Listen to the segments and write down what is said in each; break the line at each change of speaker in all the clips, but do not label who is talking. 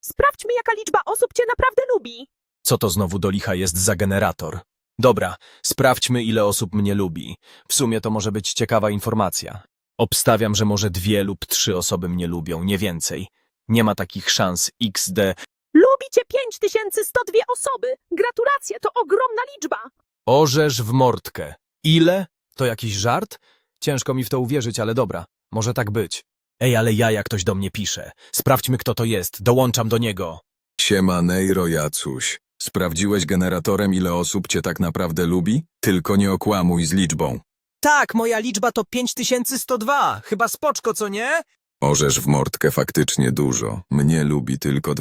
Sprawdźmy, jaka liczba osób cię naprawdę lubi.
Co to znowu do licha jest za generator? Dobra, sprawdźmy, ile osób mnie lubi. W sumie to może być ciekawa informacja. Obstawiam, że może 2 lub 3 osoby mnie lubią, nie więcej. Nie ma takich szans XD.
Lubi cię 5102 osoby. Gratulacje, to ogromna liczba.
Orzesz w mordkę. Ile? To jakiś żart? Ciężko mi w to uwierzyć, ale dobra, może tak być. Ej, ale jak ktoś do mnie pisze. Sprawdźmy, kto to jest, dołączam do niego.
Siema, Nejro Jacuś. Sprawdziłeś generatorem, ile osób cię tak naprawdę lubi? Tylko nie okłamuj z liczbą.
Tak, moja liczba to 5102. Chyba spoczko, co nie?
Orzesz w mordkę faktycznie dużo. Mnie lubi tylko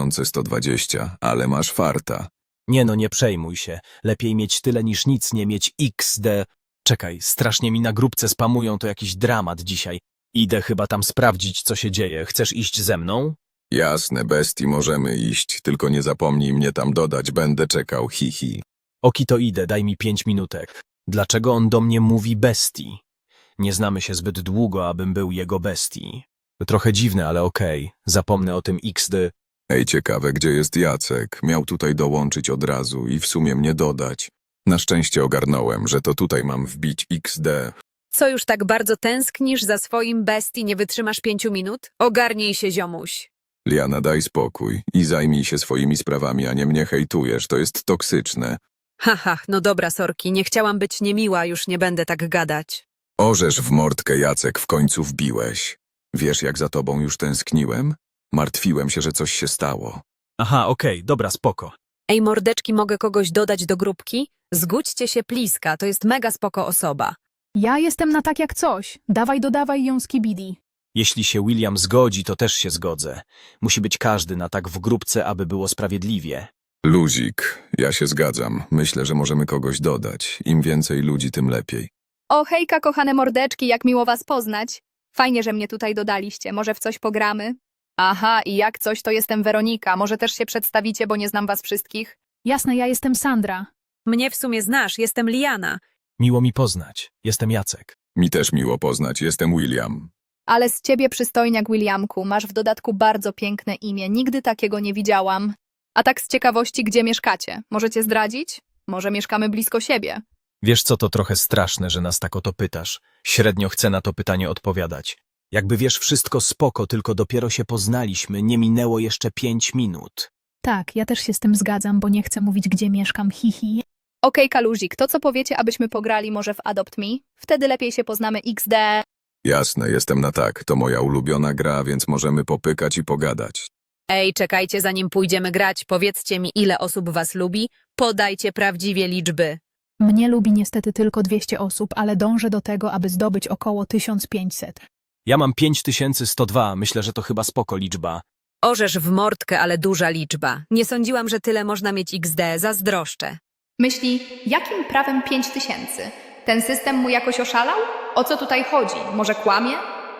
2120, ale masz farta.
Nie no, nie przejmuj się. Lepiej mieć tyle niż nic nie mieć XD. Czekaj, strasznie mi na grupce spamują, to jakiś dramat dzisiaj. Idę chyba tam sprawdzić, co się dzieje. Chcesz iść ze mną?
Jasne, bestii, możemy iść, tylko nie zapomnij mnie tam dodać, będę czekał, hihi.
Oki to idę, daj mi 5 minutek. Dlaczego on do mnie mówi bestii? Nie znamy się zbyt długo, abym był jego bestii. Trochę dziwne, ale okej. Zapomnę o tym XD.
Ej, ciekawe, gdzie jest Jacek? Miał tutaj dołączyć od razu i w sumie mnie dodać. Na szczęście ogarnąłem, że to tutaj mam wbić XD.
Co już tak bardzo tęsknisz za swoim bestii, nie wytrzymasz 5 minut? Ogarnij się, ziomuś.
Liana, daj spokój i zajmij się swoimi sprawami, a nie mnie hejtujesz, to jest toksyczne.
Haha, no dobra, sorki, nie chciałam być niemiła, już nie będę tak gadać.
Orzesz w mordkę, Jacek, w końcu wbiłeś. Wiesz, jak za tobą już tęskniłem? Martwiłem się, że coś się stało.
Aha, okej, dobra, spoko.
Ej, mordeczki, mogę kogoś dodać do grupki? Zgódźcie się, Pliska, to jest mega spoko osoba.
Ja jestem na tak jak coś. Dawaj, dodawaj ją z Kibidi.
Jeśli się William zgodzi, to też się zgodzę. Musi być każdy na tak w grupce, aby było sprawiedliwie.
Luzik, ja się zgadzam. Myślę, że możemy kogoś dodać. Im więcej ludzi, tym lepiej.
O hejka, kochane mordeczki, jak miło was poznać. Fajnie, że mnie tutaj dodaliście. Może w coś pogramy? Aha, i jak coś, to jestem Weronika. Może też się przedstawicie, bo nie znam was wszystkich?
Jasne, ja jestem Sandra.
Mnie w sumie znasz, jestem Liana.
Miło mi poznać. Jestem Jacek.
Mi też miło poznać, jestem William.
Ale z ciebie przystojniak, Williamku. Masz w dodatku bardzo piękne imię. Nigdy takiego nie widziałam. A tak z ciekawości, gdzie mieszkacie? Możecie zdradzić? Może mieszkamy blisko siebie?
Wiesz co, to trochę straszne, że nas tak o to pytasz. Średnio chcę na to pytanie odpowiadać. Jakby wiesz, wszystko spoko, tylko dopiero się poznaliśmy, nie minęło jeszcze 5 minut.
Tak, ja też się z tym zgadzam, bo nie chcę mówić, gdzie mieszkam, hihi.
Okej, Kaluzik, to co powiecie, abyśmy pograli może w Adopt Me? Wtedy lepiej się poznamy XD.
Jasne, jestem na tak. To moja ulubiona gra, więc możemy popykać i pogadać.
Ej, czekajcie, zanim pójdziemy grać, powiedzcie mi, ile osób was lubi, podajcie prawdziwie liczby.
Mnie lubi niestety tylko 200 osób, ale dążę do tego, aby zdobyć około 1500.
Ja mam 5102, myślę, że to chyba spoko liczba.
Orzesz w mordkę, ale duża liczba. Nie sądziłam, że tyle można mieć XD, zazdroszczę.
Myśli, jakim prawem 5000? Ten system mu jakoś oszalał? O co tutaj chodzi? Może kłamie?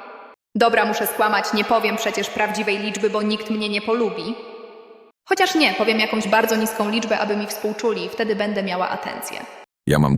Dobra, muszę skłamać, nie powiem przecież prawdziwej liczby, bo nikt mnie nie polubi. Chociaż nie, powiem jakąś bardzo niską liczbę, aby mi współczuli, wtedy będę miała atencję.
Ja mam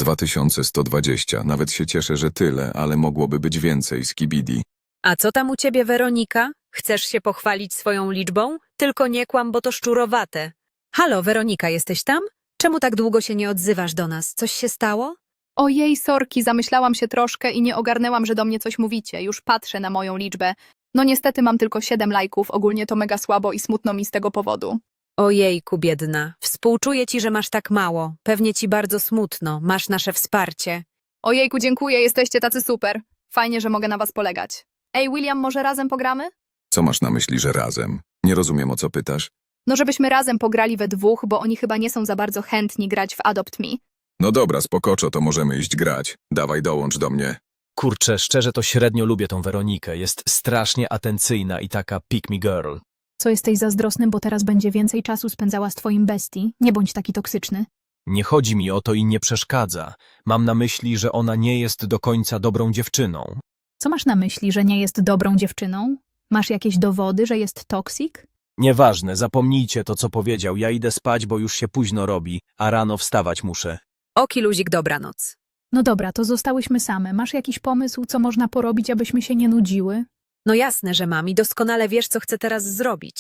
2120, nawet się cieszę, że tyle, ale mogłoby być więcej z Kibidi.
A co tam u ciebie, Weronika? Chcesz się pochwalić swoją liczbą? Tylko nie kłam, bo to szczurowate. Halo, Weronika, jesteś tam? Czemu tak długo się nie odzywasz do nas? Coś się stało?
Ojej, sorki, zamyślałam się troszkę i nie ogarnęłam, że do mnie coś mówicie. Już patrzę na moją liczbę. No niestety mam tylko 7 lajków, ogólnie to mega słabo i smutno mi z tego powodu.
Ojejku, biedna. Współczuję ci, że masz tak mało. Pewnie ci bardzo smutno. Masz nasze wsparcie.
Ojejku, dziękuję, jesteście tacy super. Fajnie, że mogę na was polegać. Ej, William, może razem pogramy?
Co masz na myśli, że razem? Nie rozumiem, o co pytasz.
No żebyśmy razem pograli we dwóch, bo oni chyba nie są za bardzo chętni grać w Adopt Me.
No dobra, spokoczo, to możemy iść grać. Dawaj, dołącz do mnie.
Kurczę, szczerze to średnio lubię tą Weronikę. Jest strasznie atencyjna i taka pick me girl.
Co jesteś zazdrosny, bo teraz będzie więcej czasu spędzała z twoim bestii? Nie bądź taki toksyczny.
Nie chodzi mi o to i nie przeszkadza. Mam na myśli, że ona nie jest do końca dobrą dziewczyną.
Co masz na myśli, że nie jest dobrą dziewczyną? Masz jakieś dowody, że jest toksik?
Nieważne, zapomnijcie to, co powiedział. Ja idę spać, bo już się późno robi, a rano wstawać muszę.
Oki, luzik, dobranoc.
No dobra, to zostałyśmy same. Masz jakiś pomysł, co można porobić, abyśmy się nie nudziły?
No jasne, że mam i doskonale wiesz, co chcę teraz zrobić.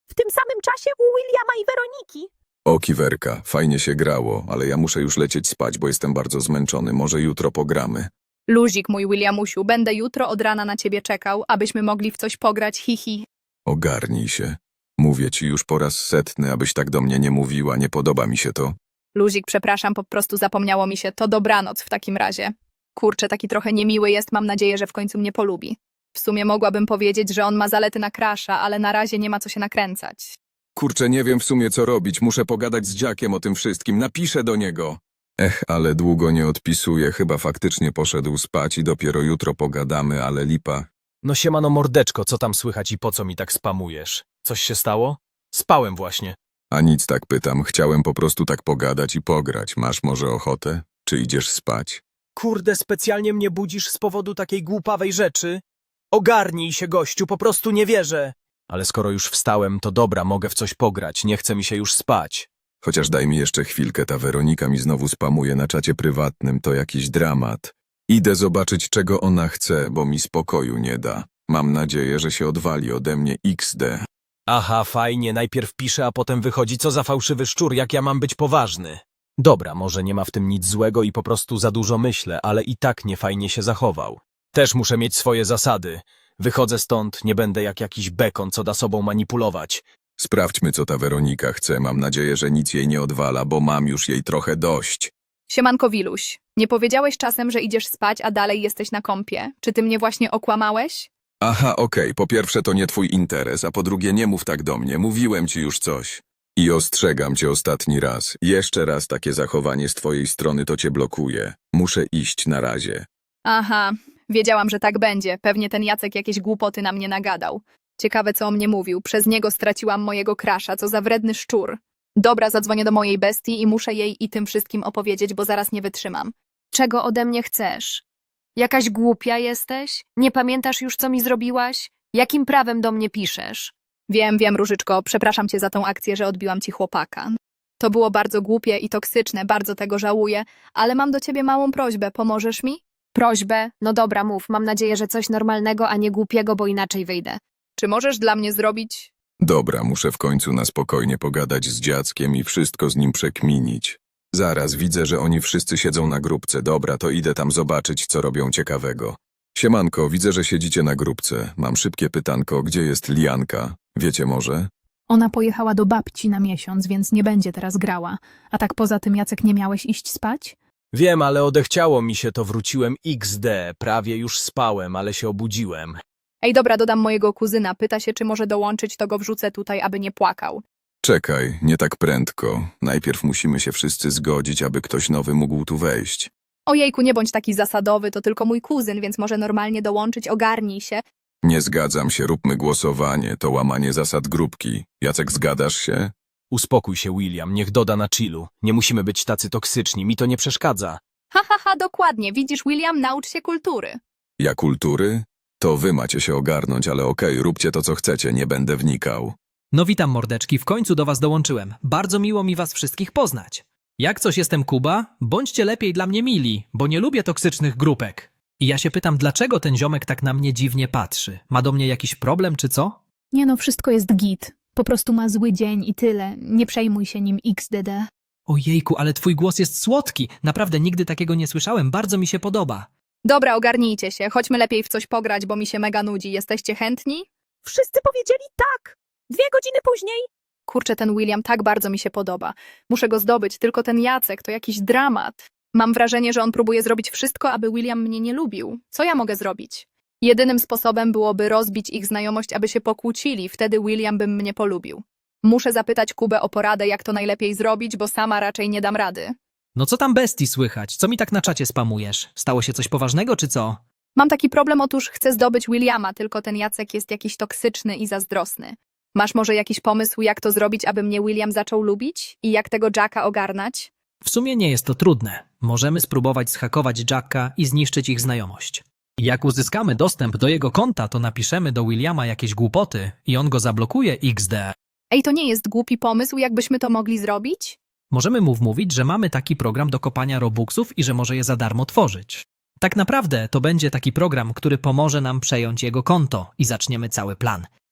w tym samym czasie u Williama i Weroniki.
O, Kiwerka, fajnie się grało, ale ja muszę już lecieć spać, bo jestem bardzo zmęczony. Może jutro pogramy.
Luzik, mój Williamusiu, będę jutro od rana na ciebie czekał, abyśmy mogli w coś pograć, hihi.
Ogarnij się. Mówię ci już po raz setny, abyś tak do mnie nie mówiła, nie podoba mi się to.
Luzik, przepraszam, po prostu zapomniało mi się, to dobranoc w takim razie. Kurczę, taki trochę niemiły jest, mam nadzieję, że w końcu mnie polubi. W sumie mogłabym powiedzieć, że on ma zalety na crusha, ale na razie nie ma co się nakręcać.
Kurczę, nie wiem w sumie co robić, muszę pogadać z dziakiem o tym wszystkim, napiszę do niego. Ale długo nie odpisuje, chyba faktycznie poszedł spać i dopiero jutro pogadamy, ale lipa.
No siemano mordeczko, co tam słychać i po co mi tak spamujesz? Coś się stało? Spałem właśnie.
A nic, tak pytam, chciałem po prostu tak pogadać i pograć. Masz może ochotę? Czy idziesz spać?
Kurde, specjalnie mnie budzisz z powodu takiej głupawej rzeczy? Ogarnij się, gościu, po prostu nie wierzę. Ale skoro już wstałem, to dobra, mogę w coś pograć, nie chce mi się już spać.
Chociaż daj mi jeszcze chwilkę, ta Weronika mi znowu spamuje na czacie prywatnym, to jakiś dramat. Idę zobaczyć, czego ona chce, bo mi spokoju nie da. Mam nadzieję, że się odwali ode mnie XD.
Aha, fajnie, najpierw piszę, a potem wychodzi, co za fałszywy szczur, jak ja mam być poważny. Dobra, może nie ma w tym nic złego i po prostu za dużo myślę, ale i tak niefajnie się zachował. Też muszę mieć swoje zasady. Wychodzę stąd, nie będę jak jakiś bekon, co da sobą manipulować.
Sprawdźmy, co ta Weronika chce. Mam nadzieję, że nic jej nie odwala, bo mam już jej trochę dość.
Siemanko, Wiluś. Nie powiedziałeś czasem, że idziesz spać, a dalej jesteś na kompie? Czy ty mnie właśnie okłamałeś?
Aha, okej, po pierwsze to nie twój interes, a po drugie nie mów tak do mnie, mówiłem ci już coś. I ostrzegam cię ostatni raz. Jeszcze raz takie zachowanie z twojej strony to cię blokuje. Muszę iść na razie.
Aha, wiedziałam, że tak będzie. Pewnie ten Jacek jakieś głupoty na mnie nagadał. Ciekawe, co o mnie mówił. Przez niego straciłam mojego crusha, co za wredny szczur. Dobra, zadzwonię do mojej bestii i muszę jej i tym wszystkim opowiedzieć, bo zaraz nie wytrzymam.
Czego ode mnie chcesz? Jakaś głupia jesteś? Nie pamiętasz już, co mi zrobiłaś? Jakim prawem do mnie piszesz?
Wiem, Różyczko, przepraszam cię za tą akcję, że odbiłam ci chłopaka. To było bardzo głupie i toksyczne, bardzo tego żałuję, ale mam do ciebie małą prośbę, pomożesz mi?
Prośbę? No dobra, mów. Mam nadzieję, że coś normalnego, a nie głupiego, bo inaczej wyjdę.
Czy możesz dla mnie zrobić?
Dobra, muszę w końcu na spokojnie pogadać z dziackiem i wszystko z nim przekminić. Zaraz, widzę, że oni wszyscy siedzą na grupce. Dobra, to idę tam zobaczyć, co robią ciekawego. Siemanko, widzę, że siedzicie na grupce. Mam szybkie pytanko, gdzie jest Lianka? Wiecie może?
Ona pojechała do babci na miesiąc, więc nie będzie teraz grała. A tak poza tym, Jacek, nie miałeś iść spać?
Wiem, ale odechciało mi się, to wróciłem XD. Prawie już spałem, ale się obudziłem.
Ej, dobra, dodam mojego kuzyna. Pyta się, czy może dołączyć, to go wrzucę tutaj, aby nie płakał.
Czekaj, nie tak prędko. Najpierw musimy się wszyscy zgodzić, aby ktoś nowy mógł tu wejść.
Ojejku, nie bądź taki zasadowy, to tylko mój kuzyn, więc może normalnie dołączyć, ogarnij się.
Nie zgadzam się, róbmy głosowanie, to łamanie zasad grupki. Jacek, zgadasz się?
Uspokój się, William, niech doda na chillu. Nie musimy być tacy toksyczni, mi to nie przeszkadza.
Ha, dokładnie. Widzisz, William, naucz się kultury.
Ja kultury? To wy macie się ogarnąć, ale okej, róbcie to, co chcecie, nie będę wnikał.
No witam mordeczki, w końcu do was dołączyłem. Bardzo miło mi was wszystkich poznać. Jak coś jestem Kuba, bądźcie lepiej dla mnie mili, bo nie lubię toksycznych grupek. I ja się pytam, dlaczego ten ziomek tak na mnie dziwnie patrzy? Ma do mnie jakiś problem czy co?
Nie no, wszystko jest git. Po prostu ma zły dzień i tyle. Nie przejmuj się nim XDD.
Ojejku, ale twój głos jest słodki. Naprawdę nigdy takiego nie słyszałem, bardzo mi się podoba.
Dobra, ogarnijcie się. Chodźmy lepiej w coś pograć, bo mi się mega nudzi. Jesteście chętni?
Wszyscy powiedzieli tak. 2 godziny później.
Kurczę, ten William tak bardzo mi się podoba. Muszę go zdobyć, tylko ten Jacek to jakiś dramat. Mam wrażenie, że on próbuje zrobić wszystko, aby William mnie nie lubił. Co ja mogę zrobić? Jedynym sposobem byłoby rozbić ich znajomość, aby się pokłócili, wtedy William by mnie polubił. Muszę zapytać Kubę o poradę, jak to najlepiej zrobić, bo sama raczej nie dam rady.
No co tam bestii słychać? Co mi tak na czacie spamujesz? Stało się coś poważnego czy co?
Mam taki problem, otóż chcę zdobyć Williama, tylko ten Jacek jest jakiś toksyczny i zazdrosny. Masz może jakiś pomysł, jak to zrobić, aby mnie William zaczął lubić? I jak tego Jacka ogarnać?
W sumie nie jest to trudne. Możemy spróbować zhakować Jacka i zniszczyć ich znajomość. Jak uzyskamy dostęp do jego konta, to napiszemy do Williama jakieś głupoty i on go zablokuje XD.
Ej, to nie jest głupi pomysł, jakbyśmy to mogli zrobić?
Możemy mu wmówić, że mamy taki program do kopania robuxów i że może je za darmo tworzyć. Tak naprawdę to będzie taki program, który pomoże nam przejąć jego konto i zaczniemy cały plan.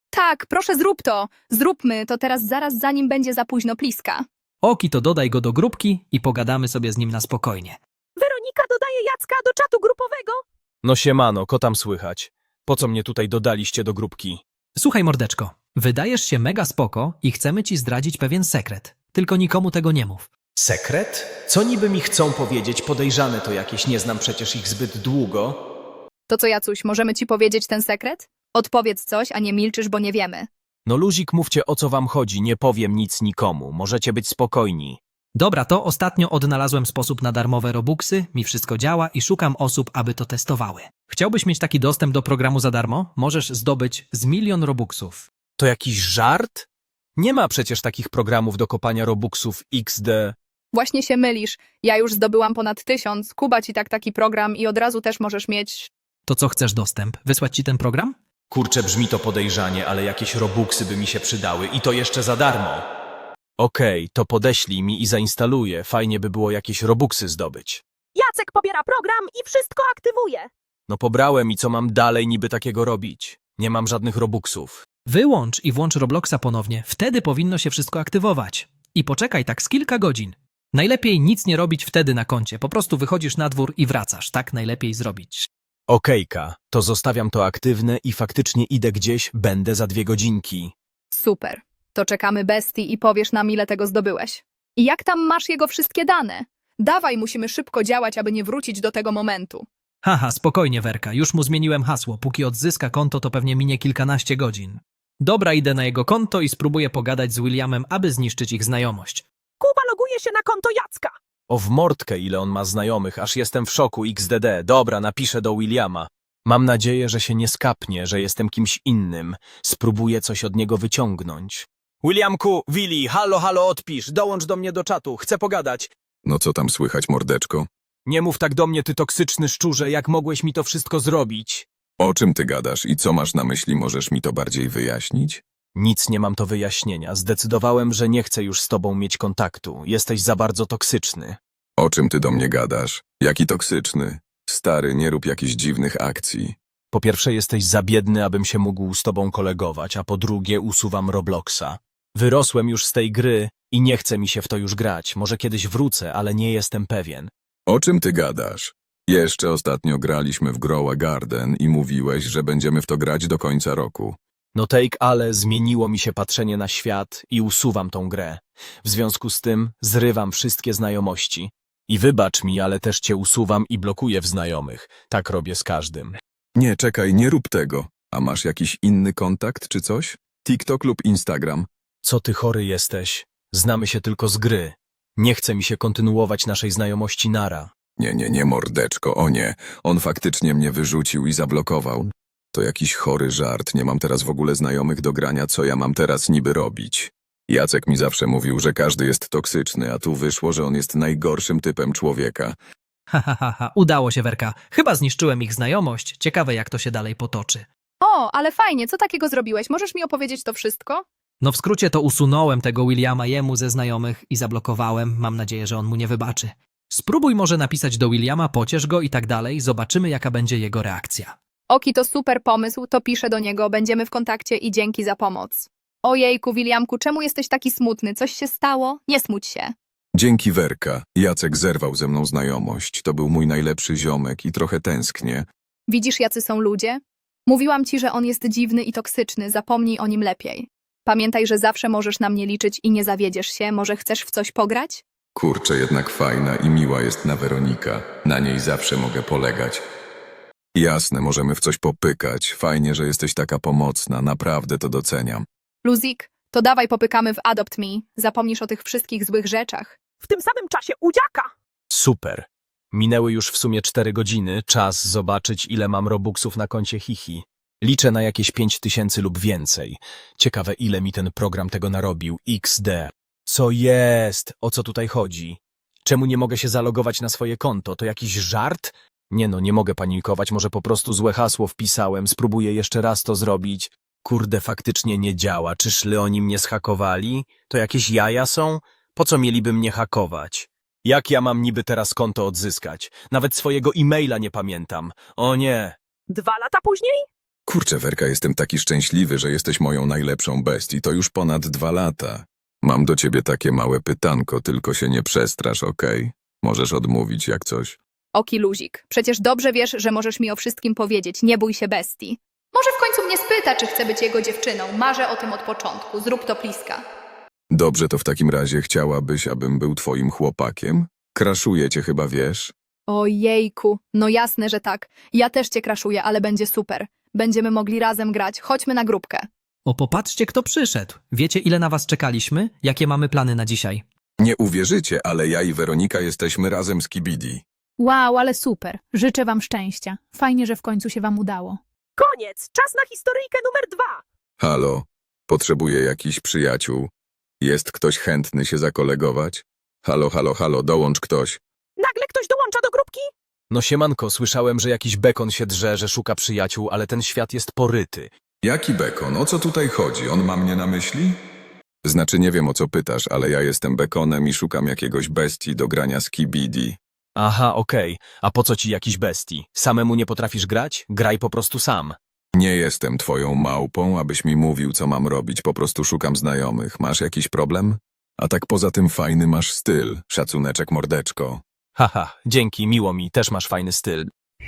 Tak, proszę zrób to. Zróbmy to teraz zaraz, zanim będzie za późno, pliska.
Oki, to dodaj go do grupki i pogadamy sobie z nim na spokojnie.
Weronika dodaje Jacka do czatu grupowego.
No siemano, ko tam słychać? Po co mnie tutaj dodaliście do grupki?
Słuchaj, mordeczko, wydajesz się mega spoko i chcemy ci zdradzić pewien sekret. Tylko nikomu tego nie mów.
Sekret? Co niby mi chcą powiedzieć? Podejrzane to jakieś, nie znam przecież ich zbyt długo.
To co, Jacuś, możemy ci powiedzieć ten sekret? Odpowiedz coś, a nie milczysz, bo nie wiemy.
No luzik, mówcie o co wam chodzi, nie powiem nic nikomu, możecie być spokojni.
Dobra, to ostatnio odnalazłem sposób na darmowe robuxy, mi wszystko działa i szukam osób, aby to testowały. Chciałbyś mieć taki dostęp do programu za darmo? Możesz zdobyć z 1 000 000 robuxów.
To jakiś żart? Nie ma przecież takich programów do kopania robuxów XD.
Właśnie się mylisz. Ja już zdobyłam ponad 1000, Kuba ci taki program i od razu też możesz mieć...
To co chcesz dostęp? Wysłać ci ten program?
Kurczę, brzmi to podejrzanie, ale jakieś robuxy by mi się przydały i to jeszcze za darmo. Okej, to podeślij mi i zainstaluję, fajnie by było jakieś robuxy zdobyć.
Jacek pobiera program i wszystko aktywuje.
No pobrałem i co mam dalej niby takiego robić? Nie mam żadnych robuxów.
Wyłącz i włącz Robloxa ponownie, wtedy powinno się wszystko aktywować. I poczekaj tak z kilka godzin. Najlepiej nic nie robić wtedy na koncie, po prostu wychodzisz na dwór i wracasz, tak najlepiej zrobić.
Okejka, to zostawiam to aktywne i faktycznie idę gdzieś, będę za 2 godzinki.
Super. To czekamy bestii i powiesz nam, ile tego zdobyłeś. I jak tam masz jego wszystkie dane? Dawaj, musimy szybko działać, aby nie wrócić do tego momentu.
Haha, spokojnie Werka, już mu zmieniłem hasło, póki odzyska konto to pewnie minie kilkanaście godzin. Dobra, idę na jego konto i spróbuję pogadać z Williamem, aby zniszczyć ich znajomość.
Kuba loguje się na konto Jacka.
O w mordkę ile on ma znajomych, aż jestem w szoku XDD. Dobra, napiszę do Williama. Mam nadzieję, że się nie skapnie, że jestem kimś innym. Spróbuję coś od niego wyciągnąć. Williamku, Willi, halo, odpisz, dołącz do mnie do czatu, chcę pogadać.
No co tam słychać, mordeczko?
Nie mów tak do mnie, ty toksyczny szczurze, jak mogłeś mi to wszystko zrobić?
O czym ty gadasz i co masz na myśli, możesz mi to bardziej wyjaśnić?
Nic nie mam do wyjaśnienia. Zdecydowałem, że nie chcę już z tobą mieć kontaktu. Jesteś za bardzo toksyczny.
O czym ty do mnie gadasz? Jaki toksyczny? Stary, nie rób jakichś dziwnych akcji.
Po pierwsze, jesteś za biedny, abym się mógł z tobą kolegować, a po drugie, usuwam Robloxa. Wyrosłem już z tej gry i nie chce mi się w to już grać. Może kiedyś wrócę, ale nie jestem pewien.
O czym ty gadasz? Jeszcze ostatnio graliśmy w Grow a Garden i mówiłeś, że będziemy w to grać do końca roku.
No take, ale zmieniło mi się patrzenie na świat i usuwam tą grę. W związku z tym zrywam wszystkie znajomości. I wybacz mi, ale też cię usuwam i blokuję w znajomych. Tak robię z każdym.
Nie, czekaj, nie rób tego. A masz jakiś inny kontakt czy coś? TikTok lub Instagram?
Co ty chory jesteś? Znamy się tylko z gry. Nie chce mi się kontynuować naszej znajomości nara.
Nie, mordeczko, o nie. On faktycznie mnie wyrzucił i zablokował. To jakiś chory żart, nie mam teraz w ogóle znajomych do grania, co ja mam teraz niby robić? Jacek mi zawsze mówił, że każdy jest toksyczny, a tu wyszło, że on jest najgorszym typem człowieka.
Udało się Werka, chyba zniszczyłem ich znajomość, ciekawe jak to się dalej potoczy.
O, ale fajnie, co takiego zrobiłeś? Możesz mi opowiedzieć to wszystko?
No w skrócie to usunąłem tego Williama jemu ze znajomych i zablokowałem, mam nadzieję, że on mu nie wybaczy. Spróbuj może napisać do Williama, pociesz go i tak dalej, zobaczymy jaka będzie jego reakcja.
Oki, to super pomysł, to piszę do niego, będziemy w kontakcie i dzięki za pomoc. Ojejku, Williamku, czemu jesteś taki smutny? Coś się stało? Nie smuć się.
Dzięki Werka, Jacek zerwał ze mną znajomość. To był mój najlepszy ziomek i trochę tęsknię.
Widzisz, jacy są ludzie? Mówiłam ci, że on jest dziwny i toksyczny, zapomnij o nim lepiej. Pamiętaj, że zawsze możesz na mnie liczyć i nie zawiedziesz się, może chcesz w coś pograć?
Kurczę, jednak fajna i miła jest na Weronika. Na niej zawsze mogę polegać. Jasne, możemy w coś popykać. Fajnie, że jesteś taka pomocna, naprawdę to doceniam.
Luzik, to dawaj popykamy w Adopt Me, zapomnisz o tych wszystkich złych rzeczach.
W tym samym czasie u Dziaka.
Super. Minęły już w sumie 4 godziny, czas zobaczyć ile mam robuxów na koncie Hihi. Liczę na jakieś 5000 lub więcej. Ciekawe ile mi ten program tego narobił. XD. Co jest? O co tutaj chodzi? Czemu nie mogę się zalogować na swoje konto? To jakiś żart? Nie no, nie mogę panikować, może po prostu złe hasło wpisałem, spróbuję jeszcze raz to zrobić. Kurde, faktycznie nie działa. Czyżby oni mnie zhakowali? To jakieś jaja są? Po co mieliby mnie hakować? Jak ja mam niby teraz konto odzyskać? Nawet swojego e-maila nie pamiętam. O nie.
2 lata później?
Kurczę, Werka, jestem taki szczęśliwy, że jesteś moją najlepszą bestii. To już ponad 2 lata. Mam do ciebie takie małe pytanko, tylko się nie przestrasz, okej? Możesz odmówić jak coś.
Oki luzik, przecież dobrze wiesz, że możesz mi o wszystkim powiedzieć, nie bój się bestii. Może w końcu mnie spyta, czy chcę być jego dziewczyną. Marzę o tym od początku, zrób to pliska.
Dobrze, to w takim razie chciałabyś, abym był twoim chłopakiem? Kraszuję cię chyba, wiesz?
Ojejku, no jasne, że tak. Ja też cię kraszuję, ale będzie super. Będziemy mogli razem grać, chodźmy na grupkę.
O, popatrzcie, kto przyszedł. Wiecie, ile na was czekaliśmy? Jakie mamy plany na dzisiaj?
Nie uwierzycie, ale ja i Weronika jesteśmy razem z Kibidi.
Wow, ale super. Życzę wam szczęścia. Fajnie, że w końcu się wam udało.
Koniec! Czas na historyjkę numer 2!
Halo, potrzebuję jakichś przyjaciół. Jest ktoś chętny się zakolegować? Halo, halo, halo, dołącz ktoś.
Nagle ktoś dołącza do grupki?
No siemanko, słyszałem, że jakiś bekon się drze, że szuka przyjaciół, ale ten świat jest poryty.
Jaki bekon? O co tutaj chodzi? On ma mnie na myśli? Znaczy nie wiem o co pytasz, ale ja jestem bekonem i szukam jakiegoś bestii do grania z Kibidi.
Aha, okej. A po co ci jakiś bestii? Samemu nie potrafisz grać? Graj po prostu sam.
Nie jestem twoją małpą, abyś mi mówił co mam robić, po prostu szukam znajomych. Masz jakiś problem? A tak poza tym fajny masz styl, szacuneczek mordeczko.
Haha, dzięki, miło mi, też masz fajny styl.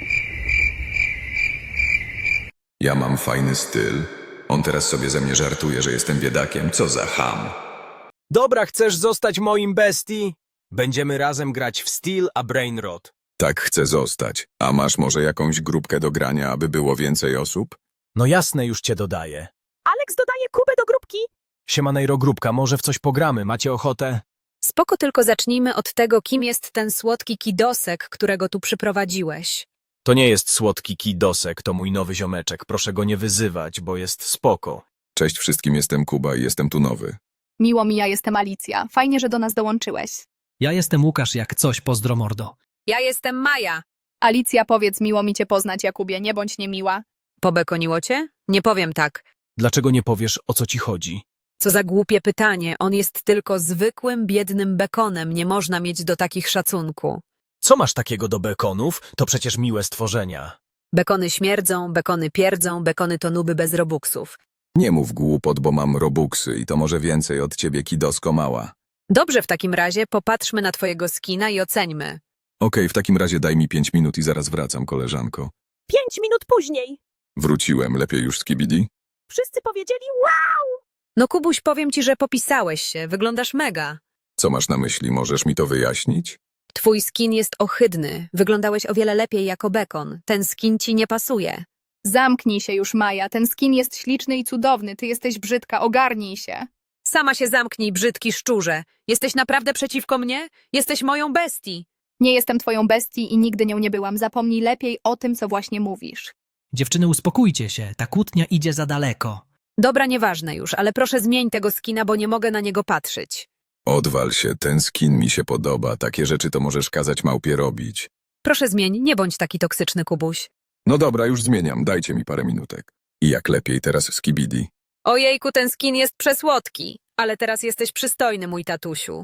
Ja mam fajny styl. On teraz sobie ze mnie żartuje, że jestem biedakiem. Co za cham.
Dobra, chcesz zostać moim bestii? Będziemy razem grać w Steel a Brainrot.
Tak chcę zostać. A masz może jakąś grupkę do grania, aby było więcej osób?
No jasne, już cię dodaję.
Alex dodaje Kubę do grupki?
Siemanejro grupka, może w coś pogramy, macie ochotę?
Spoko, tylko zacznijmy od tego, kim jest ten słodki kidosek, którego tu przyprowadziłeś.
To nie jest słodki kidosek, to mój nowy ziomeczek, proszę go nie wyzywać, bo jest spoko.
Cześć wszystkim, jestem Kuba i jestem tu nowy.
Miło mi, ja jestem Alicja. Fajnie, że do nas dołączyłeś.
Ja jestem Łukasz, jak coś, pozdro mordo.
Ja jestem Maja.
Alicja, powiedz, miło mi cię poznać, Jakubie, nie bądź niemiła.
Pobekoniło cię? Nie powiem tak.
Dlaczego nie powiesz, o co ci chodzi?
Co za głupie pytanie. On jest tylko zwykłym, biednym bekonem. Nie można mieć do takich szacunku.
Co masz takiego do bekonów? To przecież miłe stworzenia.
Bekony śmierdzą, bekony pierdzą, bekony to nuby bez robuxów.
Nie mów głupot, bo mam robuxy i to może więcej od ciebie, kidosko mała.
Dobrze, w takim razie popatrzmy na twojego skina i oceńmy.
Okej, w takim razie daj mi 5 minut i zaraz wracam, koleżanko.
5 minut później.
Wróciłem, lepiej już z Kibidi?
Wszyscy powiedzieli wow!
No Kubuś, powiem ci, że popisałeś się. Wyglądasz mega.
Co masz na myśli, możesz mi to wyjaśnić?
Twój skin jest ohydny. Wyglądałeś o wiele lepiej jako bekon. Ten skin ci nie pasuje.
Zamknij się już, Maja, ten skin jest śliczny i cudowny, ty jesteś brzydka, ogarnij się.
Sama się zamknij, brzydki szczurze. Jesteś naprawdę przeciwko mnie? Jesteś moją bestii.
Nie jestem twoją bestii i nigdy nią nie byłam, zapomnij lepiej o tym, co właśnie mówisz.
Dziewczyny, uspokójcie się, ta kłótnia idzie za daleko.
Dobra, nieważne już, ale proszę zmień tego skina, bo nie mogę na niego patrzeć.
Odwal się, ten skin mi się podoba, takie rzeczy to możesz kazać małpie robić.
Proszę zmień, nie bądź taki toksyczny, Kubuś.
No dobra, już zmieniam, dajcie mi parę minutek. I jak lepiej teraz z Kibidi?
Ojejku, ten skin jest przesłodki. Ale teraz jesteś przystojny, mój tatusiu.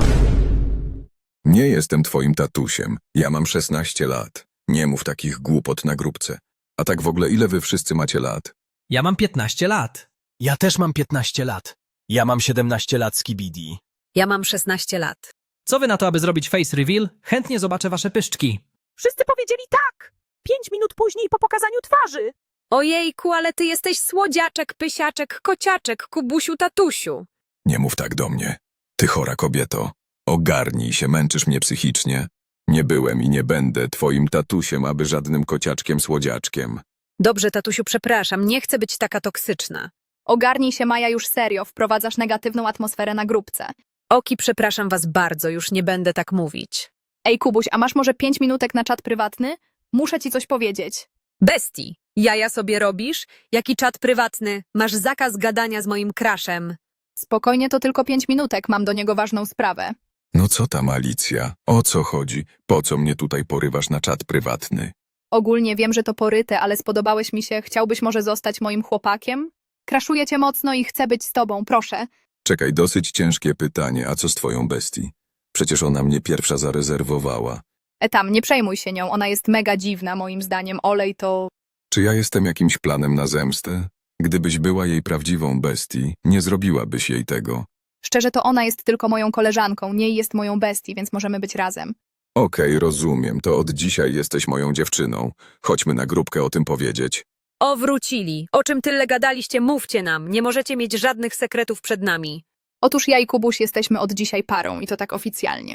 Nie jestem twoim tatusiem, ja mam 16 lat. Nie mów takich głupot na grupce. A tak w ogóle ile wy wszyscy macie lat?
Ja mam 15 lat.
Ja też mam 15 lat. Ja mam 17 lat z Kibidi.
Ja mam 16 lat.
Co wy na to, aby zrobić face reveal? Chętnie zobaczę wasze pyszczki.
Wszyscy powiedzieli tak! 5 minut później po pokazaniu twarzy.
Ojejku, ale ty jesteś słodziaczek, pysiaczek, kociaczek, Kubusiu, tatusiu.
Nie mów tak do mnie. Ty chora kobieto. Ogarnij się, męczysz mnie psychicznie. Nie byłem i nie będę twoim tatusiem, aby żadnym kociaczkiem słodziaczkiem.
Dobrze, tatusiu, przepraszam, nie chcę być taka toksyczna.
Ogarnij się, Maja, już serio, wprowadzasz negatywną atmosferę na grupce.
Oki, przepraszam was bardzo, już nie będę tak mówić.
Ej, Kubuś, a masz może 5 minutek na czat prywatny? Muszę ci coś powiedzieć.
Bestii, jaja sobie robisz? Jaki czat prywatny? Masz zakaz gadania z moim crushem.
Spokojnie, to tylko 5 minutek, mam do niego ważną sprawę.
No co tam, Alicja? O co chodzi? Po co mnie tutaj porywasz na czat prywatny?
Ogólnie wiem, że to poryte, ale spodobałeś mi się, chciałbyś może zostać moim chłopakiem? Kraszuję cię mocno i chcę być z tobą, proszę.
Czekaj, dosyć ciężkie pytanie, a co z twoją bestii? Przecież ona mnie pierwsza zarezerwowała.
Tam, nie przejmuj się nią, ona jest mega dziwna moim zdaniem, olej to...
Czy ja jestem jakimś planem na zemstę? Gdybyś była jej prawdziwą bestii, nie zrobiłabyś jej tego.
Szczerze to ona jest tylko moją koleżanką, nie jest moją bestii, więc możemy być razem.
Okej, rozumiem, to od dzisiaj jesteś moją dziewczyną. Chodźmy na grupkę o tym powiedzieć.
O, wrócili. O czym tyle gadaliście, mówcie nam. Nie możecie mieć żadnych sekretów przed nami.
Otóż ja i Kubuś jesteśmy od dzisiaj parą i to tak oficjalnie.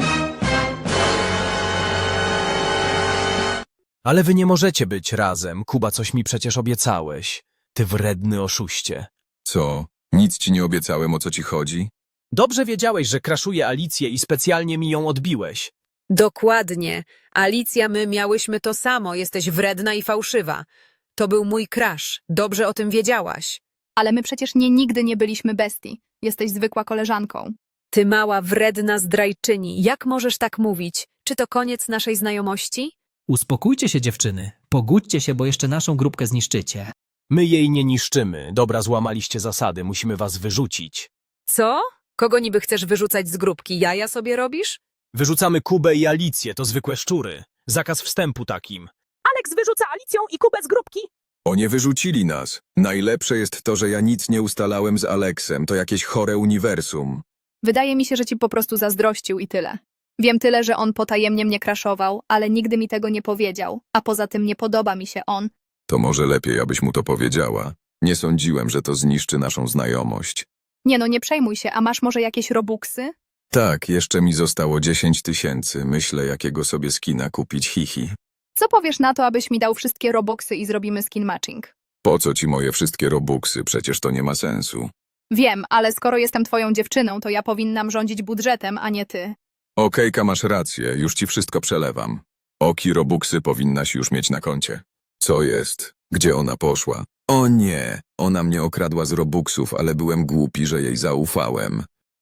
Ale wy nie możecie być razem. Kuba, coś mi przecież obiecałeś. Ty wredny oszuście.
Co? Nic ci nie obiecałem, o co ci chodzi?
Dobrze wiedziałeś, że kraszuję Alicję i specjalnie mi ją odbiłeś.
Dokładnie. Alicja, my miałyśmy to samo. Jesteś wredna i fałszywa. To był mój crush. Dobrze o tym wiedziałaś.
Ale my przecież nigdy nie byliśmy bestii. Jesteś zwykła koleżanką.
Ty mała, wredna zdrajczyni. Jak możesz tak mówić? Czy to koniec naszej znajomości?
Uspokójcie się, dziewczyny. Pogódźcie się, bo jeszcze naszą grupkę zniszczycie.
My jej nie niszczymy. Dobra, złamaliście zasady. Musimy was wyrzucić.
Co? Kogo niby chcesz wyrzucać z grupki? Jaja sobie robisz?
Wyrzucamy Kubę i Alicję. To zwykłe szczury. Zakaz wstępu takim.
Alex wyrzuca Alicją i Kubę z grupki.
O, nie wyrzucili nas. Najlepsze jest to, że ja nic nie ustalałem z Aleksem. To jakieś chore uniwersum.
Wydaje mi się, że ci po prostu zazdrościł i tyle. Wiem tyle, że on potajemnie mnie kraszował, ale nigdy mi tego nie powiedział, a poza tym nie podoba mi się on.
To może lepiej, abyś mu to powiedziała. Nie sądziłem, że to zniszczy naszą znajomość.
Nie no, nie przejmuj się, a masz może jakieś robuxy?
Tak, jeszcze mi zostało 10 000. Myślę, jakiego sobie skina kupić, hihi.
Co powiesz na to, abyś mi dał wszystkie robuxy i zrobimy skin matching?
Po co ci moje wszystkie robuxy? Przecież to nie ma sensu.
Wiem, ale skoro jestem twoją dziewczyną, to ja powinnam rządzić budżetem, a nie ty.
Okejka, masz rację, już ci wszystko przelewam. Oki robuxy powinnaś już mieć na koncie. Co jest? Gdzie ona poszła? O nie, ona mnie okradła z robuxów, ale byłem głupi, że jej zaufałem.